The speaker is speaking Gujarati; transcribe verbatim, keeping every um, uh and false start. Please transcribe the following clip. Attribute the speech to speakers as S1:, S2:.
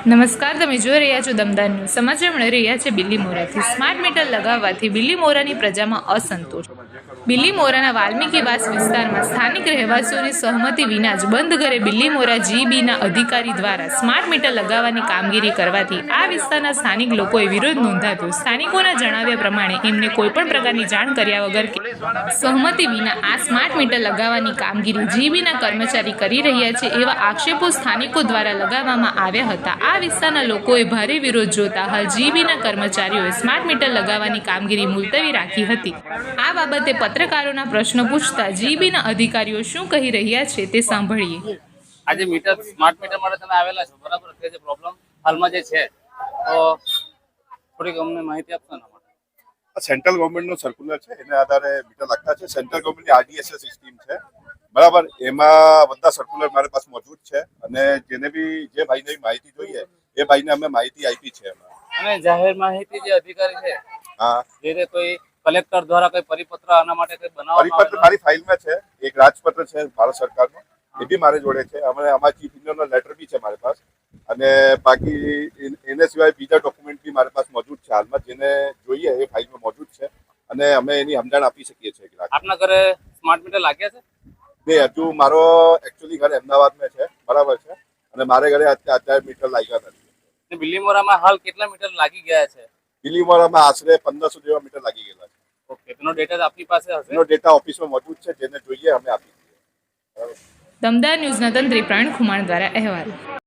S1: નમસ્કાર, તમે જોઈ રહ્યા છો દમદાર ન્યૂઝ. સમાચાર મળી રહ્યા છે બિલીમોરાથી. સ્માર્ટ મીટર લગાવવાથી બિલીમોરાની પ્રજામાં અસંતોષ. બિલીમોરાના વાલ્મીકીવાસ વિસ્તારમાં સ્થાનિક રહેવાસીઓની સહમતિ વિના જ બંધ ઘરે બિલીમોરા જીબીના અધિકારી દ્વારા સ્માર્ટ મીટર લગાવવાની કામગીરી કરવાથી આ વિસ્તારના સ્થાનિક લોકોએ વિરોધ નોંધાવ્યો. સ્થાનિકોના જણાવ્યા પ્રમાણે એમને કોઈપણ પ્રકારની જાણ કર્યા વગર કે સહમતિ વિના આ સ્માર્ટ મીટર લગાવવાની કામગીરી જીબીના કર્મચારી કરી રહ્યા છે એવા આક્ષેપો સ્થાનિકો દ્વારા લગાવવામાં આવ્યા હતા. આ વિસ્તારના લોકોએ ભારે વિરોધ જોતા હાલ જીબીના કર્મચારીઓએ સ્માર્ટ મીટર લગાવવાની કામગીરી મુલતવી રાખી હતી. આ બાબતે પત્રકારોના પ્રશ્નો પૂછતા જીબીના અધિકારીઓ શું કહી રહ્યા છે તે સાંભળીએ.
S2: આજે મીટર સ્માર્ટ મીટર માટે તમે આવેલા છો, બરાબર? કે જે પ્રોબ્લેમ હાલમાં જે છે, તો થોડીક અમને માહિતી આપશો ને?
S3: સેન્ટ્રલ ગવર્મેન્ટનો સર્ક્યુલર છે, એના આધારે મીટર લાગતા છે. સેન્ટ્રલ ગવર્મેન્ટની આરડીએસએસ સ્કીમ છે, બરાબર? એમાં બધા સર્ક્યુલર મારી પાસે મોજૂદ છે અને જેને બી જે ભાઈને માહિતી જોઈએ એ ભાઈને અમે માહિતી આપી છે.
S2: અને જાહેર માહિતી જે અધિકારી છે,
S3: હા,
S2: જે કોઈ કલેક્ટર દ્વારા કોઈ પરિપત્ર આના માટે કોઈ બનાવવામાં
S3: પરિપત્ર મારી ફાઇલમાં છે. એક રાજપત્ર છે ભારત સરકારનો, એ બી મારી જોડે છે. અમે અમારા ચીફ ઇન્જિનિયરનો લેટર બી છે મારી પાસે, અને બાકી એને સિવાય બીજા ડોક્યુમેન્ટ બી મારી પાસે મોજૂદ છે હાલમાં. જેને જોઈએ એ ફાઇલમાં મોજૂદ છે અને અમે એની સમજણ આપી શકીએ છીએ.
S2: આપના ઘરે સ્માર્ટ મીટર લાગ્યા છે?
S3: નહીં, હજુ મારો એકચ્યુઅલી ઘર અમદાવાદમાં છે, બરાબર છે, અને મારે ઘરે અત્યારે મીટર લાગ્યા નથી.
S2: બિલીમોરામાં હાલ કેટલા મીટર લાગી ગયા છે?
S3: બિલીમોરામાં આશરે પંદરસો જેવા મીટર લાગી ગયેલા છે.
S2: ઓકે, તેનો ડેટા આપની પાસે હશે?
S3: એનો ડેટા ઓફિસમાં મોજૂદ છે, જેને જોઈએ અમે આપી દઈએ.
S1: દમદાર ન્યૂઝના તંત્રી પ્રવીણ ખુમાણ દ્વારા અહેવાલ.